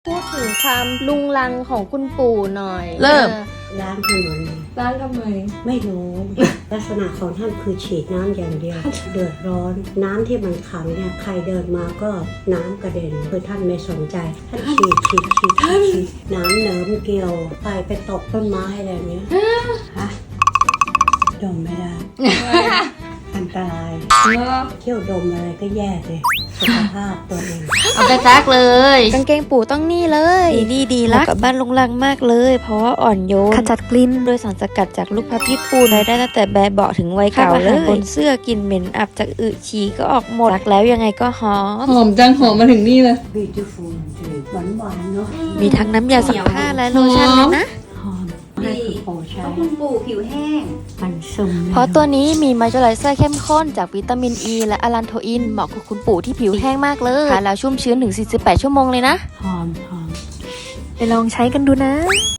พูดถึงความลุงลังของคุณปู่หน่อยเริ่มล้างถนนร้านทำไมไม่รู้ ลักษณะของท่านคือฉีดน้ำอย่างเดียว เดือดร้อน น้ำที่มันขังเนี่ยใครเดินมาก็น้ำกระเด็นคือท่านไม่สนใจ ท่านฉีดน้ำเหนิมเกลียวไปตกต้นไม้อะไรเนี้ยฮะดมไม่ได้ อันตรายเที่ยวดมอะไรก็แย่เลยสุขภาพตัวเองเอาไปซักเลยกางเกงปู่ต้องนี่เลยดีรักกับบ้านลุงลังมากเลย เพราะว่าอ่อนโยนขจัดกลิ่นโดยสารสกัดจากลูกพระพิษปูนได้ตั้งแต่แบบเบาะถึงวัยเก่าเลยบนเสื้อกลิ่นเหม็นอับจากอึฉี่ก็ออกหมดซักแล้วยังไงก็หอมหอมจังหอมมาถึงนี่เลย beautiful หวานเนาะมีทั้งน้ำยาซักผ้าและโลชั่นเลยนะหอมให้คุณปู่ใช้เพราะคุณปู่ผิวแห้งมันซึมเพราะตัวนี้มีมอยเจอไรเซอร์เข้มข้นจากวิตามินอ e ีและอะลันโทอินเหมาะกับคุณปู่ที่ผิวแห้งมากเลยทาแล้วชุ่มชื้นถึง 48 ชั่วโมงเลยนะหอมไปลองใช้กันดูนะ